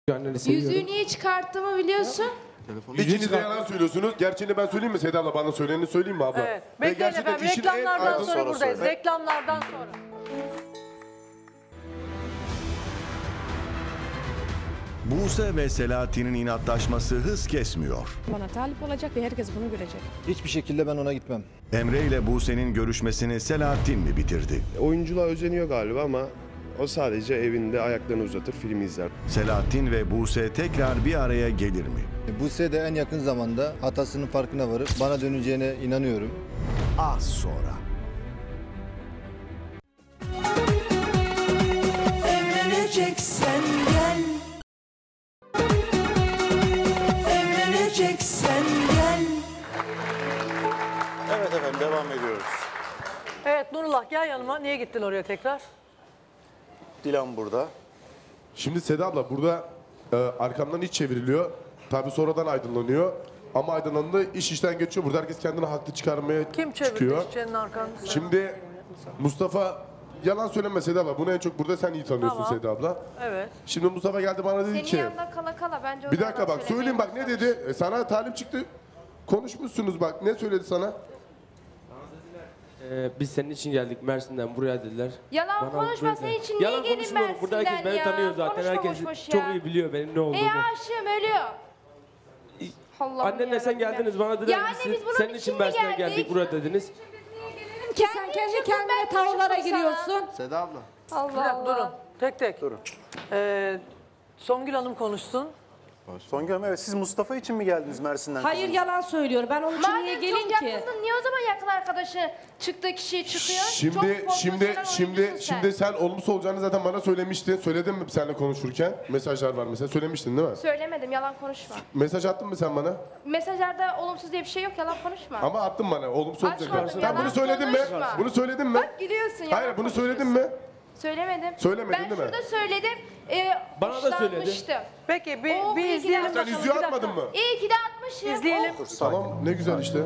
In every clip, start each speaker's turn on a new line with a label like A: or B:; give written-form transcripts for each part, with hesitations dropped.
A: Yüzüğü niye çıkarttığımı biliyorsun.
B: İkiniz de yalan söylüyorsunuz. Gerçeğini ben söyleyeyim mi Seda abla? Bana söyleneni söyleyeyim mi abla?
C: Evet. Bekleyin efendim. Reklamlardan sonra buradayız. Reklamlardan sonra.
D: Buse ve Selahattin'in inatlaşması hız kesmiyor.
E: Bana talip olacak ve herkes bunu görecek.
F: Hiçbir şekilde ben ona gitmem.
D: Emre ile Buse'nin görüşmesini Selahattin mi bitirdi?
G: Oyunculuğa özeniyor galiba ama o sadece evinde ayaklarını uzatır, film izler.
D: Selahattin ve Buse tekrar bir araya gelir mi?
F: Buse de en yakın zamanda hatasının farkına varıp bana döneceğine inanıyorum.
D: Az sonra.
H: Evleneceksen gel. Evleneceksen gel.
I: Evet efendim, devam ediyoruz.
C: Evet Nurullah gel yanıma. Niye gittin oraya tekrar?
I: Dilan burada.
B: Şimdi Seda abla burada arkamdan iç çevriliyor. Tabii sonradan aydınlanıyor. Ama aydınlandı iş işten geçiyor. Burada herkes kendini haklı çıkarmaya
C: Kim çevirdi
B: çıkıyor.
C: işçinin arkanı?
B: Şimdi Mustafa yalan söyleme Seda abla. Bunu en çok burada sen iyi tanıyorsun
C: Tamam.
B: Seda abla.
C: Evet.
B: Şimdi Mustafa geldi bana dedi
A: Senin
B: ki.
A: yanında kala kala bence o
B: Bir
A: da
B: dakika
A: yalan
B: bak söyleyeyim bak ne
A: söylemeye
B: dedi? Sana talip çıktı. Konuşmuşsunuz bak ne söyledi sana?
J: Biz senin için geldik Mersin'den buraya dediler.
A: Yalan
J: Bana
A: konuşma
J: böyle-
A: senin için niye
J: Yalan
A: gelin
J: konuşmuyorum. Burada herkes
A: Mersin'den
J: beni
A: ya?
J: tanıyor zaten.
A: Konuşma
J: Herkes
A: boş boş
J: çok
A: ya.
J: iyi biliyor benim ne olduğumu.
A: aşığım ölüyor. Allah'ım
J: Annenle sen
A: yarabbim.
J: geldiniz bana dediler
A: Ya
J: ki
A: anne,
J: siz
A: biz bunun
J: senin
A: için
J: için
A: mi
J: Mersin'den
A: geldik?
J: geldik buraya dediniz.
E: Sen kendi kendine tavırlara giriyorsun.
F: Seda abla.
C: Bir
A: Allah
C: dakika durun.
A: Allah.
C: Tek tek.
I: Durun.
C: Songül Hanım konuşsun.
I: Songül Hanım, evet siz Mustafa için mi geldiniz Mersin'den?
E: Hayır
I: kızım?
E: yalan söylüyor. Ben onun için niye
A: Madem
E: gelin
A: çok
E: ki?
A: yakındın niye o zaman yakın arkadaşı çıktı kişi çıkıyor?
B: Şimdi
A: Çok
B: şimdi sen olumsuz olacağını zaten bana söylemiştin. Söyledin mi seninle konuşurken? Mesajlar var mesela. Söylemiştin değil mi?
A: Söylemedim yalan konuşma.
B: Mesaj attın mı sen bana?
A: Mesajlarda olumsuz diye bir şey yok yalan konuşma.
B: Ama attın bana. Olumsuz olacak.
A: Açmadım,
B: Sen
A: yalan
B: bunu söyledin mi?
A: konuşma.
B: Bunu söyledin mi?
A: Bak gidiyorsun yalan
B: Hayır bunu söyledin
A: konuşuyorsun.
B: mi?
A: Söylemedim.
B: Söylemedin
A: ben
B: değil mi?
A: şurada söyledim.
J: Bana da söyledi.
A: hoşlanmıştım.
C: Peki
A: Oh,
C: bir
A: iyi ki
C: izleyelim
A: de-
B: Sen
C: bakalım.
B: yüzüğü
C: Bir dakika.
B: atmadın mı?
A: İyi ki de atmışım.
C: İzleyelim.
A: Oh.
B: Tamam ne güzel işte.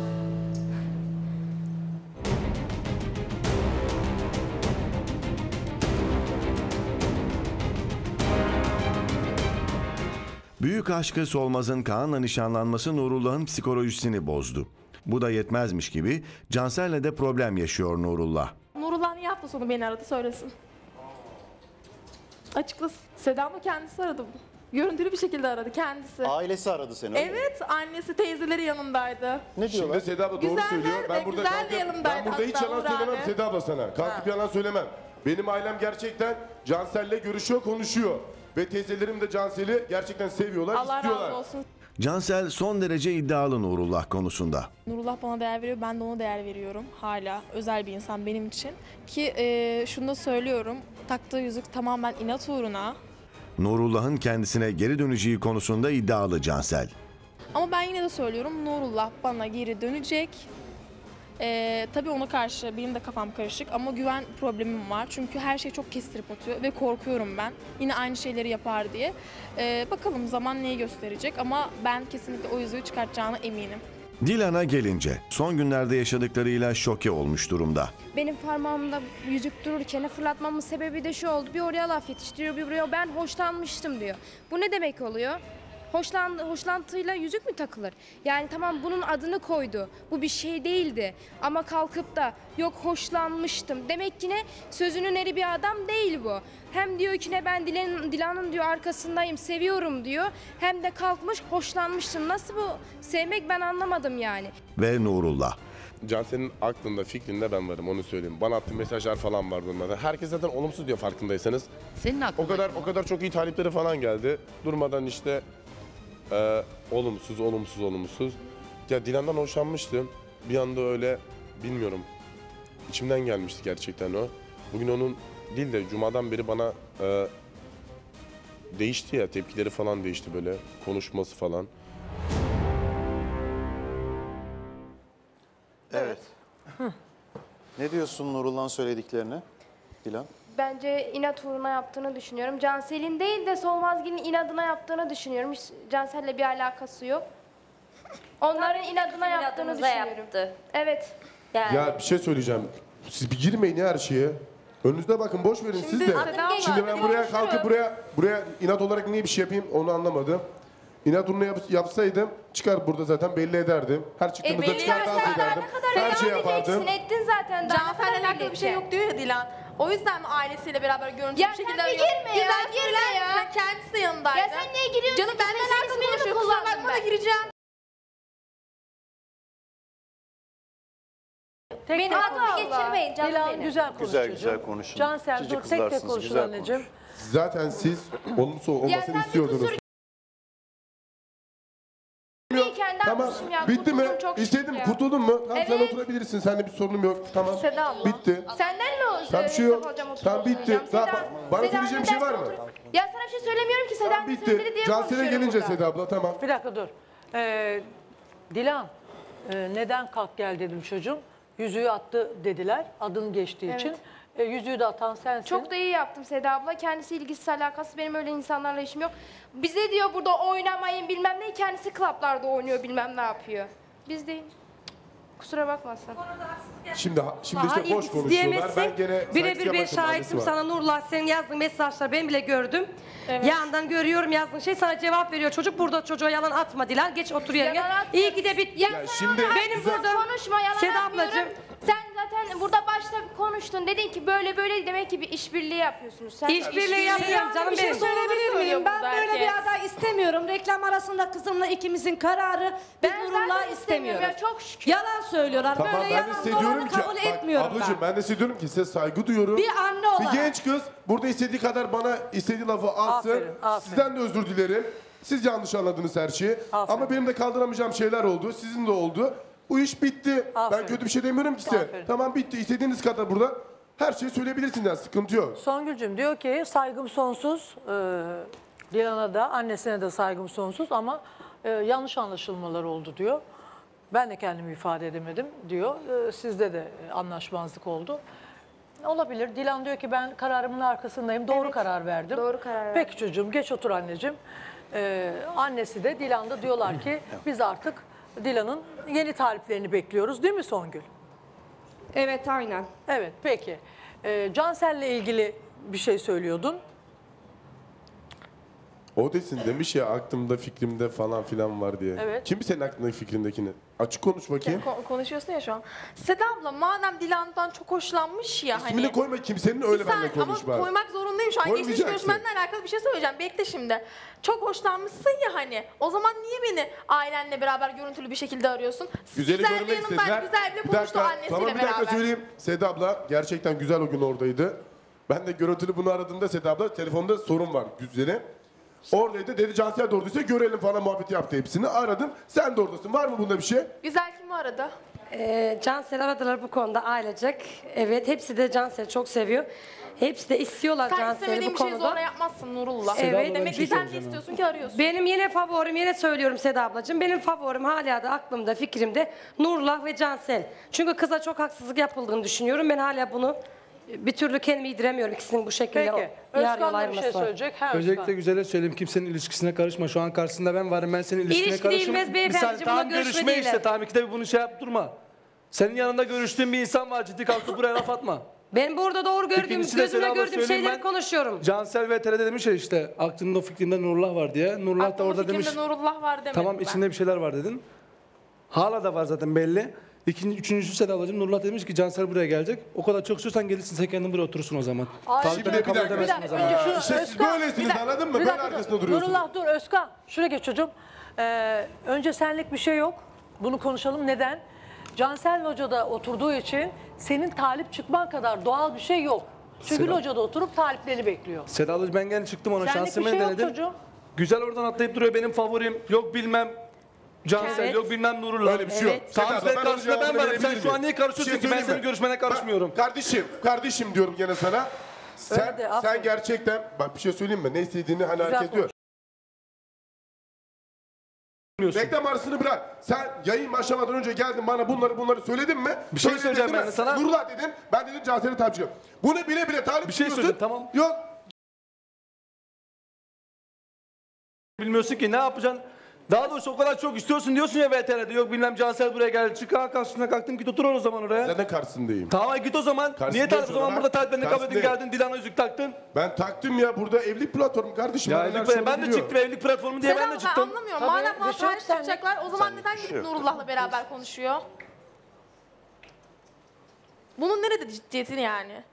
D: Büyük aşkı Solmaz'ın Kaan'la nişanlanması Nurullah'ın psikolojisini bozdu. Bu da yetmezmiş gibi Cansel'le de problem yaşıyor Nurullah.
K: Nurullah niye hafta sonu beni aradı söylesin. Açıklasın. Seda mı kendisi aradı. Görüntülü bir şekilde aradı kendisi.
I: Ailesi aradı seni. öyle mi?
K: Evet annesi teyzeleri yanındaydı.
I: Ne diyorlar?
B: Şimdi Seda abla doğru
K: Güzeller
B: söylüyor.
K: de,
B: Ben burada
K: güzel de
B: kalkıp,
K: yanımdaydı
B: ben burada hiç
K: hatta
B: yalan
K: Uğur
B: söylemem
K: abi.
B: Seda abla sana. Kalkıp yalan söylemem. Benim ailem gerçekten Cansel'le görüşüyor, konuşuyor. Ve teyzelerim de Cansel'i gerçekten seviyorlar,
K: Allah
B: istiyorlar.
K: razı olsun.
D: Cansel son derece iddialı Nurullah konusunda.
K: Nurullah bana değer veriyor, ben de ona değer veriyorum. Hala özel bir insan benim için. Ki şunu da söylüyorum, taktığı yüzük tamamen inat uğruna.
D: Nurullah'ın kendisine geri döneceği konusunda iddialı Cansel.
K: Ama ben yine de söylüyorum, Nurullah bana geri dönecek. Tabii ona karşı benim de kafam karışık ama güven problemim var. Çünkü her şey çok kestirip atıyor ve korkuyorum ben. Yine aynı şeyleri yapar diye. Bakalım zaman neyi gösterecek ama ben kesinlikle o yüzüğü çıkartacağına eminim.
D: Dilan'a gelince son günlerde yaşadıklarıyla şoke olmuş durumda.
A: Benim parmağımda yüzük dururken fırlatmamın sebebi de şu oldu. Bir oraya laf yetiştiriyor, bir buraya ben hoşlanmıştım diyor. Bu ne demek oluyor? Hoşlantıyla yüzük mü takılır? Yani tamam bunun adını koydu. Bu bir şey değildi. Ama kalkıp da yok hoşlanmıştım. Demek ki ne? Sözünün eri bir adam değil bu. Hem diyor ki ne ben Dilan'ın diyor arkasındayım, seviyorum diyor. Hem de kalkmış hoşlanmıştım. Nasıl bu? Sevmek ben anlamadım yani.
D: Ve Nurullah.
B: Cansel'in aklında, fikrinde ben varım onu söyleyeyim. Bana attığı mesajlar falan var bunlarda. Herkes zaten olumsuz diyor farkındaysanız.
E: Senin aklında.
B: O kadar çok iyi talipleri falan geldi. Durmadan işte olumsuz. Ya Dilan'dan hoşlanmıştım. Bir anda öyle bilmiyorum. İçimden gelmişti gerçekten o. Bugün onun değil de cumadan beri bana değişti ya, tepkileri falan değişti böyle, konuşması falan.
I: Evet. Ne diyorsun Nurullah'ın söylediklerine Dilan?
A: Bence inat uğruna yaptığını düşünüyorum. Cansel'in değil de Solmazgil'in inadına yaptığını düşünüyorum. Hiç Cansel'le bir alakası yok. Onların inadına yaptığını düşünüyorum.
L: Yaptı.
A: Evet.
L: Yani
B: Ya bir şey söyleyeceğim. Siz bir girmeyin ya her şeye. Önünüzde bakın, boş verin siz de. Şimdi ben buraya kalkıp buraya inat olarak niye bir şey yapayım onu anlamadım. İnat uğruna yapsaydım çıkar burada zaten belli ederdim. Her çıktığımızda çıkar dans ederdim. Her şey yapardım.
A: Ettin zaten.
K: Cansel'le alakalı bir şey yok diyor ya Dilan. O yüzden mi ailesiyle beraber görüntülü bir şekilde arıyor?
A: Girme ya.
K: Kendisi de yanındaydı.
A: Ya sen niye giriyorsun?
K: Canım benimle alakalı konuşuyor. Kusura bakma da gireceğim.
A: Beni aklımı geçirmeyin canım
C: Dilan
A: benim.
C: güzel konuş çocuğum.
I: Güzel konuşun.
C: Cansel
I: Cici
C: dur tek tek
I: kızlarsınız,
C: konuşun
I: güzel
C: anneciğim.
B: Zaten siz olumsuz olmasını istiyordunuz. Tamam, bitti mi? İstedim, kurtuldun mu? Tamam, sen oturabilirsin. Seninle bir sorunum yok. Tamam,
K: Seda abla.
B: bitti.
A: Senden mi olsun?
B: Tamam, bir şey yok. Tamam, bitti. Bana söyleyeceğim bir şey var mı?
A: Ya sana bir şey söylemiyorum ki Seda
B: Tamam,
A: abla söyledi
B: bitti.
A: diye
B: Cansel'e
A: konuşuyorum
B: gelince
A: burada.
B: Seda abla, tamam.
C: Bir dakika dur. Dilan neden kalk gel dedim çocuğum. Yüzüğü attı dediler adın geçtiği için. Yüzüğü de atan sensin.
A: Çok da iyi yaptım Seda abla. Kendisi ilgisiz alakası. Benim öyle insanlarla işim yok. Bize diyor burada oynamayın bilmem ne. Kendisi klaplarda oynuyor bilmem ne yapıyor. Biz değil. Kusura bakmasın.
B: Şimdi işte boş konuşuyorlar. Ben gene
E: Birebir ben şahitim sana Nurullah, senin yazdığın mesajları ben bile gördüm. Yandan görüyorum yazdığın şey, sana cevap veriyor. Çocuk burada, çocuğa yalan atma Dilan. Geç otur yerine. İyi ki de bitti.
B: Ya şimdi
E: Benim burada
A: Konuşma yalan
E: Seda
A: atmıyorum.
E: ablacığım.
A: Sen zaten burada başta konuştun. Dedin ki böyle böyle demek ki bir işbirliği yapıyorsunuz. Sen
E: İşbirliği yapıyorum canım
C: bir şey
E: benim.
C: söyleyebilir miyim? Ben
K: burada
C: böyle
K: herkes.
C: bir aday istemiyorum. Reklam arasında kızımla ikimizin kararı. Biz
A: Ben
C: Nurullah'ı
A: zaten istemiyorum
C: istemiyoruz.
A: ya, çok şükür.
C: Yalan söylüyorlar.
B: Tamam,
C: böyle
B: ben de
C: yalan
B: size diyorum
C: dolanı
B: ki
C: kabul etmiyorum
B: ablacığım ben de size diyorum ki size saygı duyuyorum.
C: Bir anne olarak.
B: Bir genç kız burada istediği kadar bana istediği lafı atsın.
C: Aferin.
B: Sizden de özür dilerim. Siz yanlış anladınız her şeyi.
C: Aferin.
B: Ama benim de kaldıramayacağım şeyler oldu. Sizin de oldu. Bu iş bitti.
C: Aferin.
B: Ben kötü bir şey demiyorum ki size.
C: Aferin.
B: Tamam, bitti. İstediğiniz kadar burada her şeyi söyleyebilirsiniz. Yani sıkıntı yok.
C: Songül'cüm diyor ki saygım sonsuz. Dilan'a da annesine de saygım sonsuz ama yanlış anlaşılmalar oldu diyor. Ben de kendimi ifade edemedim diyor. Sizde de anlaşmazlık oldu. Olabilir. Dilan diyor ki ben kararımın arkasındayım. Doğru karar verdim.
A: Doğru karar verdim.
C: Peki çocuğum geç otur anneciğim. Annesi de Dilan da diyorlar ki biz artık Dilan'ın yeni taliplerini bekliyoruz değil mi Songül?
E: Evet aynen.
C: Evet peki. Cansel'le ilgili bir şey söylüyordun.
B: O desin demiş ya aklımda fikrimde falan filan var diye.
C: Evet.
B: Kim senin aklındaki fikrindekini? Açık konuş bakayım.
K: Konuşuyorsun ya şu an. Seda abla madem Dilan'dan çok hoşlanmış ya
B: İsmini
K: hani.
B: koyma kimsenin, öyle benimle konuş
K: Ama
B: bari.
K: koymak zorundayım şu an. Geçmiş
B: Koymayacaksın.
K: görüşmenle alakalı bir şey söyleyeceğim. Bekle şimdi. Çok hoşlanmışsın ya hani. O zaman niye beni ailenle beraber görüntülü bir şekilde arıyorsun?
B: Güzeli
K: Güzel
B: görmek
K: bir yanından
B: istediler.
K: güzel bir
B: Bir
K: konuştu
B: dakika,
K: annesiyle
B: tamam, bir
K: beraber.
B: dakika söyleyeyim. Seda abla gerçekten güzel o gün oradaydı. Ben de görüntülü bunu aradığımda Seda abla telefonda sorun var Güzel'e. Oradaydı, dedi Cansel de oradaysa görelim falan muhabbeti yaptı hepsini. Aradım, sen de oradasın. Var mı bunda bir şey?
K: Güzel kimi aradı?
E: Cansel aradılar bu konuda ailecek. Evet, hepsi de Cansel'i çok seviyor. Hepsi de istiyorlar
K: Sen
E: Cansel'i
K: istemediğin
E: bu
K: bir şeyi
E: konuda.
K: zorla yapmazsın Nurullah.
E: Evet,
K: Demek ki sen de istiyorsun ki arıyorsun.
E: Benim yine favorim, yine söylüyorum Seda ablacığım. Benim favorim hala da aklımda, fikrimde Nurullah ve Cansel. Çünkü kıza çok haksızlık yapıldığını düşünüyorum. Ben hala bunu bir türlü kendimi yediremiyorum ikisinin bu şekilde
C: Peki.
E: yarı yol
C: Özkan da bir şey
E: ayrılması.
C: söyleyecek. Ha,
J: Öncelikle
C: Özkan.
J: Güzel'e söyleyeyim, kimsenin ilişkisine karışma. Şu an karşısında ben varım, ben senin ilişkine
E: İlişki
J: karışmam.
E: değilmez beyefendiciğim, buna
J: Tamam
E: görüşme
J: görüşme
E: değiller.
J: işte, tamam ikide bir bunu şey yap durma. Senin yanında görüştüğün bir insan var, ciddi kalkıp buraya laf atma.
E: Ben burada doğru gördüğüm,
J: İkincisi de
E: gözümle
J: Seda abla
E: gördüğüm
J: söyleyeyim,
E: şeyleri
J: ben
E: konuşuyorum.
J: Cansel ve TRT demiş ya işte aklında fikrinde Nurullah var diye. Nurullah da
K: Aklımda
J: orada demiş.
K: fikrimde Nurullah var demedim
J: Tamam
K: ben.
J: içinde bir şeyler var dedin. Hala da var zaten belli. Üçüncüsü Seda ablacığım, Nurullah demiş ki Cansel buraya gelecek. O kadar çok istiyorsan gelirsin, sen kendin buraya oturursun o zaman.
B: Şimdi bir dakika.
C: Önce şunu,
B: İşte siz böylesiniz, anladın mı?
C: bir
B: Böyle
C: dakika dur.
B: arkasında duruyorsunuz.
C: Nurullah dur Özkan. Şuraya geç çocuğum. Önce senlik bir şey yok. Bunu konuşalım. Neden? Cansel locada oturduğu için senin talip çıkman kadar doğal bir şey yok. Çünkü
J: Seda-
C: locada oturup taliplerini bekliyor.
J: Seda ablacığım ben gene çıktım ona,
C: Senlik
J: şansımı
C: bir şey yok
J: denedim.
C: çocuğum.
J: Güzel oradan atlayıp duruyor, benim favorim. Yok bilmem Cansel,
E: Evet.
J: yok bilmem Nurullah.
B: Öyle bir şey yok.
J: Tamam
B: Seda abla,
J: sen
B: onun
J: karşısında ben
B: cevabını
J: varım. Sen
B: verebilir
J: şu an
B: miyim?
J: niye karışıyorsun
B: Bir şey
J: ki? Ben
B: söyleyeyim
J: senin
B: mi?
J: görüşmene karışmıyorum.
B: Bak, kardeşim diyorum gene sana.
C: Öyle de, aferin.
B: Sen gerçekten, bak bir şey söyleyeyim mi? Ne istediğini hani
C: Güzel
B: herkes diyor. Reklam arasını bırak. Sen yayın başlamadan önce geldin bana bunları söyledin mi?
J: Bir şey
B: Söyledin
J: söyleyeceğim
B: değil
J: ben
B: mi?
J: de sana.
B: Nurullah dedin. Ben dedim Cansel'e tapacağım. Bunu bile bile talip
J: Bir şey
B: çıkıyorsun.
J: söyleyeyim, tamam.
B: Yok.
J: Bilmiyorsun ki ne yapacaksın? Daha doğrusu o kadar çok istiyorsun diyorsun ya VTR'de. Yok bilmem Cansel buraya geldi. Çık karşısına kalktın git otur o zaman oraya.
B: Zaten karşısındayım.
J: Tamam git o zaman.
B: Karşısındayım
J: Niye o zaman
B: sonra.
J: burada taliplerini kabul edin
B: Karşısındayım.
J: geldin Dilan'a yüzük taktın?
B: Ben taktım ya, burada evlilik platformu kardeşim.
J: Ya
B: Adamlar
J: evlilik,
B: şunu
J: ben de
B: biliyor.
J: çıktım evlilik platformu diye
K: Seda
J: ben de
K: abla, ben
J: çıktım.
K: anlamıyorum.
C: Tabii,
K: Madem
C: bir
K: bana
C: şey yok,
K: talip
C: sen-
K: çıkacaklar o zaman neden
G: şey
K: gidip
G: yok.
K: Nurullah'la beraber konuşuyor? Bunun nerede ciddiyeti yani?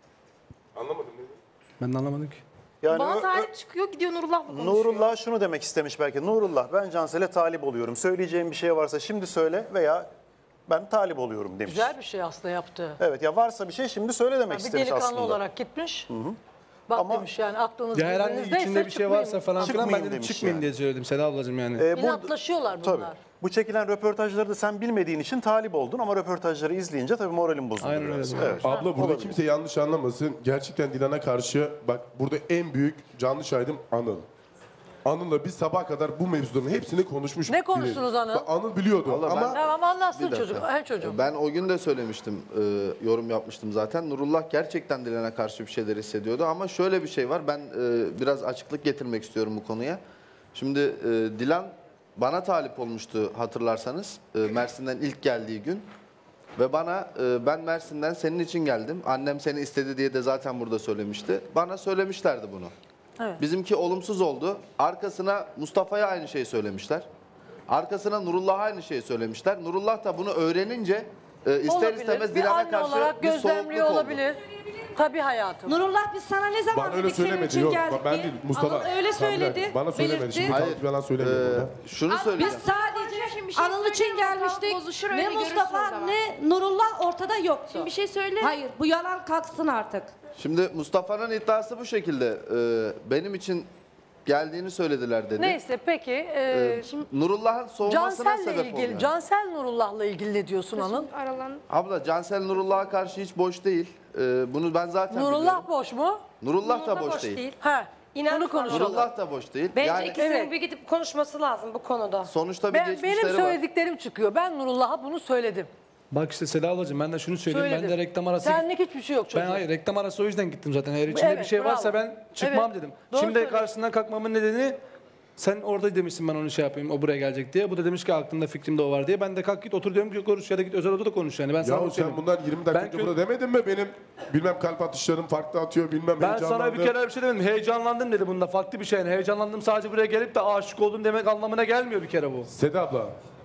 B: Anlamadım ne?
J: Ben de anlamadım ki.
I: Yani
K: Bana talip çıkıyor gidiyor Nurullah'la konuşuyor.
I: Nurullah şunu demek istemiş belki. Nurullah ben Cansel'e talip oluyorum. Söyleyeceğim bir şey varsa şimdi söyle veya ben talip oluyorum demiş.
C: Güzel bir şey aslında yaptı.
I: Evet ya varsa bir şey şimdi söyle demek
C: Bir
I: istemiş
C: delikanlı
I: aslında.
C: olarak gitmiş. Bak
I: Ama-
C: demiş yani aklınız
J: Ya herhangi
C: birbirinizdeyse
J: içinde bir şey
C: çıkmayın.
J: varsa falan filan ben
I: Çıkmayın
J: dedim
I: demiş
J: çıkmayın
I: yani.
J: diye söyledim Seda ablacığım yani.
C: İnatlaşıyorlar bunlar.
I: Tabii. Bu çekilen röportajları da sen bilmediğin için talip oldun ama röportajları izleyince tabii moralin bozuldu.
J: Aynen
I: biraz.
J: öyle.
I: Evet.
B: Abla burada
I: Olabilir.
B: kimse yanlış anlamasın. Gerçekten Dilan'a karşı bak burada en büyük canlı şahidim Anıl. Anıl'la biz sabaha kadar bu mevzuların hepsini konuşmuştuk.
C: Ne konuştunuz Anıl?
B: Bak, Anıl biliyordu
F: Vallahi
B: ama
C: Tamam anlatsın
F: Bir dakika.
C: çocuk. Her çocuğum.
F: Ben o gün de söylemiştim, yorum yapmıştım zaten. Nurullah gerçekten Dilan'a karşı bir şeyler hissediyordu ama şöyle bir şey var. Ben biraz açıklık getirmek istiyorum bu konuya. Şimdi Dilan bana talip olmuştu hatırlarsanız Mersin'den ilk geldiği gün. Ve bana ben Mersin'den senin için geldim. Annem seni istedi diye de zaten burada söylemişti. Bana söylemişlerdi bunu.
C: Evet.
F: Bizimki olumsuz oldu. Arkasına Mustafa'ya aynı şeyi söylemişler. Arkasına Nurullah'a aynı şeyi söylemişler. Nurullah da bunu öğrenince ister
C: Olabilir.
F: istemez
C: Bir
F: Dilan'a
C: anne
F: karşı
C: olarak
F: bir
C: gözlemliyor
F: soğukluk oldu.
C: olabilir. Tabii hayatım.
L: Nurullah biz sana ne zaman
B: bana öyle
L: dedik senin
B: söylemedi.
L: için
B: Yok
L: geldik
B: ben
L: diye?
B: değil Mustafa.
L: Anıl öyle
B: Sen bir dakika,
L: söyledi.
B: bana söylemedi.
L: belirtti.
B: Şimdi
F: Hayır,
B: kalıp yalan söylemiyorum.
F: şunu
L: Biz
F: söyleyeceğim.
L: sadece
A: Şimdi bir şey
L: Anıl için
A: söyleyeyim, ortalık
L: gelmiştik.
A: bozuşur,
L: Ne
A: öyle görürsün o
L: Mustafa
A: zaman.
L: ne Nurullah ortada yoktu.
A: Şimdi bir şey söyle.
L: Hayır bu yalan kalksın artık.
F: Şimdi Mustafa'nın iddiası bu şekilde. Benim için geldiğini söylediler dedi.
C: Neyse peki. Şimdi
F: Nurullah'ın soğumasına
C: Cansel'le
F: sebep
C: ilgili,
F: oluyor.
C: Cansel Nurullah'la ilgili ne diyorsun Anıl?
A: Aralan.
F: Abla Cansel Nurullah'a karşı hiç boş değil. Bunu ben zaten biliyorum.
C: Nurullah boş mu?
F: Nurullah da boş değil.
C: He.
E: İnan
C: Bunu konuşalım.
F: Nurullah da boş değil.
E: Bence
F: Yani
E: ikisinin
C: Evet.
E: bir gidip konuşması lazım bu konuda.
F: sonuçta bir
C: Benim
F: geçmişleri var.
C: söylediklerim çıkıyor. Ben Nurullah'a bunu söyledim.
J: Bak işte Seda ablacığım ben de şunu söyleyeyim.
C: Söyledim.
J: Ben de reklam arası
C: Senlik hiçbir şey yok çocuğum.
J: ben hayır reklam arası o yüzden gittim zaten. Eğer içinde
C: Evet,
J: bir şey varsa
C: bravo.
J: ben çıkmam
C: Evet,
J: dedim.
C: doğru
J: Şimdi
C: söylüyorsun.
J: karşısından kalkmamın nedeni sen orada demişsin ben onu şey yapayım o buraya gelecek diye. Bu da demiş ki aklımda fikrimde o var diye. Ben de kalk git otur diyorum ki konuş ya da git özel odada konuş yani. Ben sana
B: Yahu
J: onu
B: sen
J: söyleyeyim.
B: bundan 20 dakika
J: Ben
B: önce
J: kö-
B: burada demedin mi benim bilmem kalp atışlarım farklı atıyor bilmem
J: Ben sana bir
B: heyecanlandım.
J: kere bir şey demedim. Heyecanlandım dedi bunda. Farklı bir şey. Yani heyecanlandım sadece buraya gelip de aşık oldum demek anlamına gelmiyor bir kere bu.
B: Seda abla,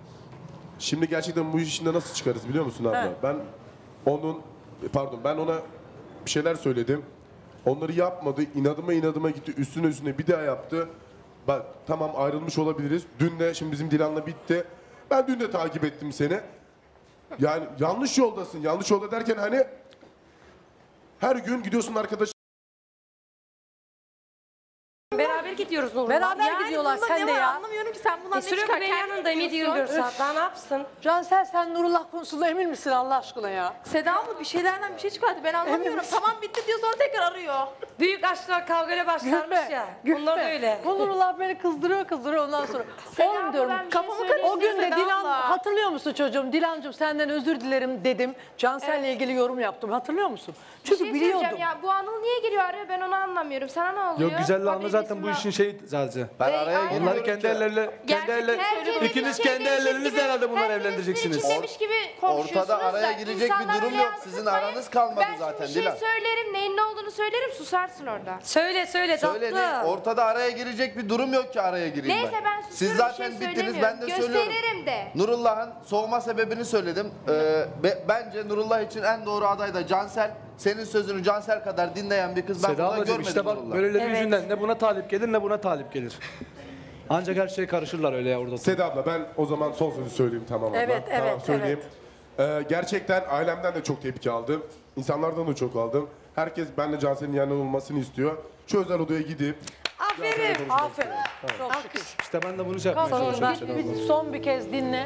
B: şimdi gerçekten bu işinde nasıl çıkarız biliyor musun abla?
C: He.
B: Ben ona bir şeyler söyledim. Onları yapmadı, inadıma gitti, üstüne bir daha yaptı. Bak tamam ayrılmış olabiliriz. Dün de şimdi bizim Dilan'la bitti. Ben dün de takip ettim seni. Yani yanlış yoldasın. Yanlış yolda derken hani her gün gidiyorsun arkadaş.
E: Beraber gidiyoruz Nurullah.
C: Beraber gidiyorlar
K: bunda
C: sen
K: ne
C: de
K: var
C: ya.
K: anlamıyorum ki sen bundan ne
E: Sürekli
K: çıkar
E: ben
K: kendin
E: yanındayım
K: biliyorsun.
E: 7-24 saat. Daha ne yapsın?
C: Cansel sen Nurullah konusunda emin misin Allah aşkına ya?
K: Seda abla bir şeylerden bir şey çıkarttı ben anlamıyorum.
C: misin?
K: Tamam bitti diyor sonra tekrar arıyor.
E: Büyük aşklar kavgayla başlarmış ya. Bunlar böyle.
C: Bu Nurullah beni kızdırıyor ondan sonra. Oğlum diyorum.
A: ben bir şey
K: Kafamı
A: söyleyeyim.
C: O gün de
K: Seda
C: Dilan
K: abla.
C: hatırlıyor musun çocuğum? Dilancığım senden özür dilerim dedim. Cansel'le ilgili yorum yaptım. Hatırlıyor musun?
A: Bir
C: Çünkü
A: şey
C: biliyordum.
A: söyleyeceğim ya bu Anıl niye geliyor araya ben onu anlamıyorum. Sana ne oluyor?
J: Yok güzelle anla
A: Haberi
J: zaten bu
A: bismillah.
J: işin şeyi sadece.
F: Ben araya
A: Aynen.
F: giriyorum
J: Bunları kendi
F: ki-
J: elleriyle,
A: Herkes
J: ikiniz
A: bir
J: kendi
A: şey
J: ellerinizle
A: gibi-
J: herhalde bunları
A: herkes
J: evlendireceksiniz.
A: sizin için demiş gibi konuşuyorsunuz
F: Ortada araya
A: da
F: girecek bir
A: insanları
F: durum yok. Sizin
A: yansıtmayın.
F: aranız kalmadı
A: ben
F: zaten,
A: Ben şimdi bir
F: Dilan.
A: şey söylerim neyin ne olduğunu söylerim susarsın orada.
E: Söyle
F: Söyle
E: tatlı.
F: ne? Ortada araya girecek bir durum yok ki araya gireyim
A: Neyse ben
F: Siz
A: susuyorum
F: zaten
A: bir şey
F: bittiniz ben de
A: söylemiyorum.
F: söylüyorum.
A: Gösteririm de.
F: Nurullah'ın soğuma sebebini söyledim. Bence Nurullah için en doğru aday da Cansel. Senin sözünü Cansel kadar dinleyen bir kız ben
J: Seda
F: burada
J: ablacığım
F: görmedim
J: işte bak
F: Nurullah.
J: böyleleri
E: Evet.
J: yüzünden ne buna talip gelir ne buna talip gelir. Ancak her şeye karışırlar öyle ya orada.
B: Seda abla ben o zaman son sözü söyleyeyim tamam abla.
C: Evet,
B: tamam
C: evet,
B: söyleyeyim. Gerçekten ailemden de çok tepki aldım. İnsanlardan da çok aldım. Herkes benimle Cansel'in yanında olmasını istiyor. Şu özel odaya gidip
E: Aferin.
C: Aferin. Çok şükür.
J: İşte ben de bunu şey yapmaya
C: Sonunda
J: çalışıyorum. Seda abla.
C: son bir kez dinle.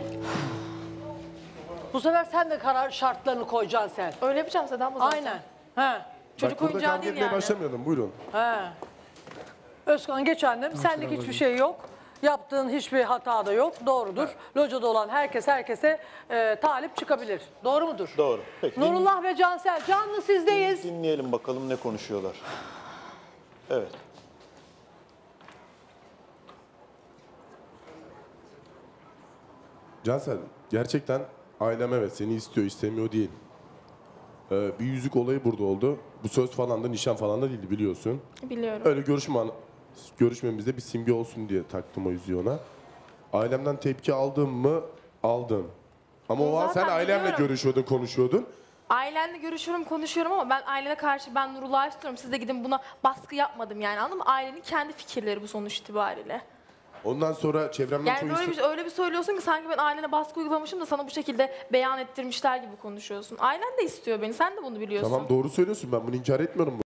C: Bu sefer sen de karar şartlarını koy Cansel.
K: Öyle yapacağım Seda abla zaten.
C: Aynen. He.
K: Çocuk
B: bak burada
K: oyuncağı
B: kavga
K: değil
B: etmeye
K: yani.
B: başlamayalım buyurun.
C: He. Özkan geç annem. Senlik hiçbir şey yok. Yaptığın hiçbir hata da yok. Doğrudur. Locada olan herkese talip çıkabilir. Doğru mudur?
I: Doğru. Peki
C: Nurullah ve Cansel canlı sizdeyiz.
I: dinleyelim bakalım ne konuşuyorlar. Evet.
B: Cansel gerçekten ailem evet seni istiyor istemiyor değil. Bir yüzük olayı burada oldu. Bu söz falan da nişan falan da değildi biliyorsun.
K: Biliyorum.
B: Öyle görüşmemizde bir simge olsun diye taktım o yüzüğü ona. Ailemden tepki aldım mı? Aldım. Ama o an sen
K: Zaten
B: ailemle
K: biliyorum.
B: görüşüyordun, konuşuyordun.
K: Ailenle görüşüyorum, konuşuyorum ama ben ailene karşı ben Nurullah'ı istiyorum. Siz de gidin buna baskı yapmadım yani, anladın mı? Ailenin kendi fikirleri bu sonuç itibariyle.
B: Ondan sonra çevremden
K: Yani böyle öyle bir söylüyorsun ki sanki ben ailene baskı uygulamışım da sana bu şekilde beyan ettirmişler gibi konuşuyorsun. Ailen de istiyor beni, sen de bunu biliyorsun.
B: Tamam doğru söylüyorsun ben bunu inkar etmiyorum.